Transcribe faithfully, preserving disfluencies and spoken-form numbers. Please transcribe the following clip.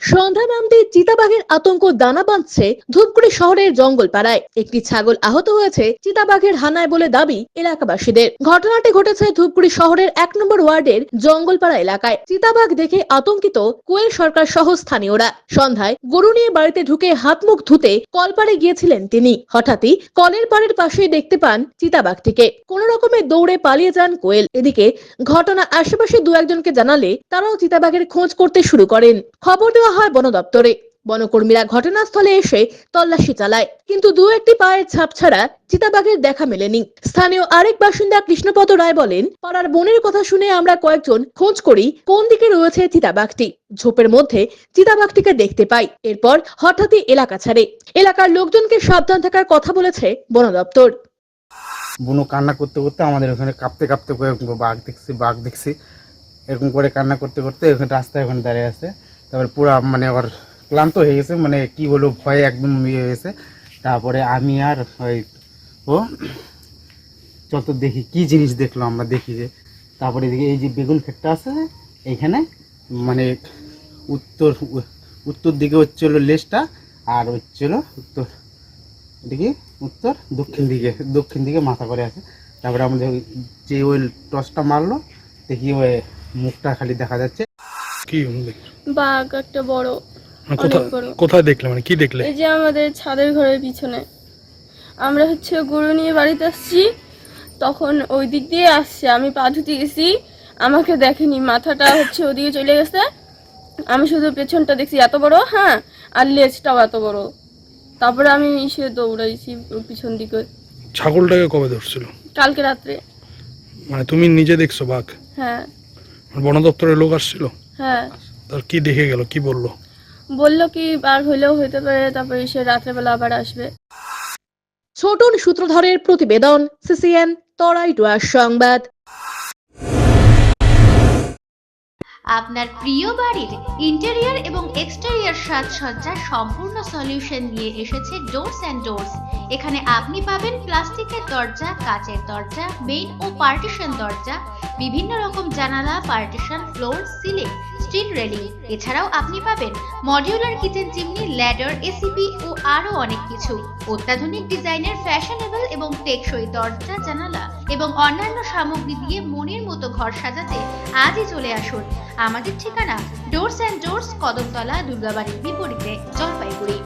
সন্ধ্যা নামতে চিতাবাঘের আতঙ্ক দানা বাঁধছে ধূপগুড়ি শহরের জঙ্গলপাড়ায়। একটি ছাগল আহত হয়েছে চিতাবাঘের হানায় বলে দাবি এলাকাবাসীদের। ঘটনাটি ঘটেছে ধূপগুড়ি শহরের এক নম্বর ওয়ার্ডের জঙ্গলপাড়া এলাকায়। চিতাবাঘ দেখে আতঙ্কিত কোয়েল সরকার সহ স্থানীয়রা। সন্ধ্যায় গরু নিয়ে বাড়িতে ঢুকে হাত মুখ ধুতে কলপাড়ে গিয়েছিলেন তিনি। হঠাৎই কলের পাড়ের পাশেই দেখতে পান চিতাবাঘটিকে। কোন রকমে দৌড়ে পালিয়ে যান কোয়েল। এদিকে ঘটনা আশেপাশে দু একজনকে জানালে তারাও চিতাবাঘের খোঁজ করতে শুরু করেন। খবর দেওয়া হয় বন দপ্তরে। বনকর্মীরা ঘটনাস্থলে এসে তল্লাশি চালায়, কিন্তু দু একটি পায়ের ছাপ ছাড়া চিতাবাঘের দেখা মেলেনি। স্থানীয় আরেক বাসিন্দা কৃষ্ণপদ রায় বলেন, পাড়ার বনের কথা শুনে আমরা কয়েকজন খোঁজ করি কোন দিকে রয়েছে চিতাবাঘটি। ঝোপের মধ্যে চিতাবাঘটিকে দেখতে পাই। এরপর হঠাৎই এলাকা ছাড়ে। এলাকার লোকজনকে সাবধান থাকার কথা বলেছে বন দপ্তর। বুনো কান্না করতে করতে আমাদের ওখানে কাঁপতে কাঁপতে করে বাঘ দেখছি বাঘ দেখছি এরকম করে কান্না করতে করতে ওখানে রাস্তায় ওখানে দাঁড়িয়ে আছে। তারপরে পুরো মানে ওর ক্লান্ত হয়ে গেছে, মানে কি বলবো, ভয়ে একদম ইয়ে হয়ে গেছে। তারপরে আমি আর ওই ও যত দেখি কি জিনিস দেখলো আমরা দেখি যে, তারপরে এদিকে এই যে বেগুন ক্ষেতটা আছে এইখানে, মানে উত্তর উত্তর দিকে হচ্ছিল লেজটা, আর হচ্ছিল উত্তর দিকে উত্তর দক্ষিণ দিকে দক্ষিণ দিকে মাথা করে আছে। তারপরে আমাদের যে ওই টসটা মারলো দেখি ওই মুখটা খালি দেখা যাচ্ছে। কি বাঘ একটা বড়, কোথায় কোথায় দেখলে, মানে কি দেখলে? এই যে আমাদের ছাদের ঘরের পিছনে। আমরা হচ্ছে গরু নিয়ে বাড়িতে আসছি, তখন ওই দিক দিয়ে আসছে, আমি পা ধুতে গেছি, আমাকে দেখেনি, মাথাটা হচ্ছে ওদিকে চলে গেছে, আমি শুধু পেছনটা দেখছি এত বড়, হ্যাঁ, আর লেজটাও এত বড়। তারপরে আমি এসে দৌড়াইছি পিছন দিকে। ছাগলটাকে কবে ধরছিল? কালকে রাত্রে। মানে তুমি নিজে দেখছো বাঘ? হ্যাঁ। বন দপ্তরের লোক আসছিল? হ্যাঁ। তার কি দেখে গেল, কি বললো? বললো কি বাঘ হইলেও হইতে পারে, তারপরে এসে রাত্রেবেলা আবার আসবে। ছোটন সূত্রধরের প্রতিবেদন, সিসিএন তরাই ডুয়ার সংবাদ। আপনার প্রিয় বাড়ির ইন্টেরিয়র এবং এক্সটেরিয়র সাজসজ্জার সম্পূর্ণ সলিউশন নিয়ে এসেছে ডোরস অ্যান্ড ডোরস। এখানে আপনি পাবেন প্লাস্টিকের দরজা, কাচের দরজা, মেইন ও পার্টিশন দরজা, বিভিন্ন রকম জানালা, partition, floor, ceiling, steel railing. এছাড়াও আপনি পাবেন modular kitchen chimney, ladder, ACP ও আরো অনেক কিছু। অত্যাধুনিক ডিজাইনের ফ্যাশনেবল এবং টেকসই দরজা, জানালা এবং অন্যান্য সামগ্রী দিয়ে মনের মতো ঘর সাজাতে আজই চলে আসুন। আমাদের ঠিকানা ডোরস অ্যান্ড ডোরস, কদমতলা, দুর্গাবাড়ির বিপরীতে, জলপাইগুড়ি।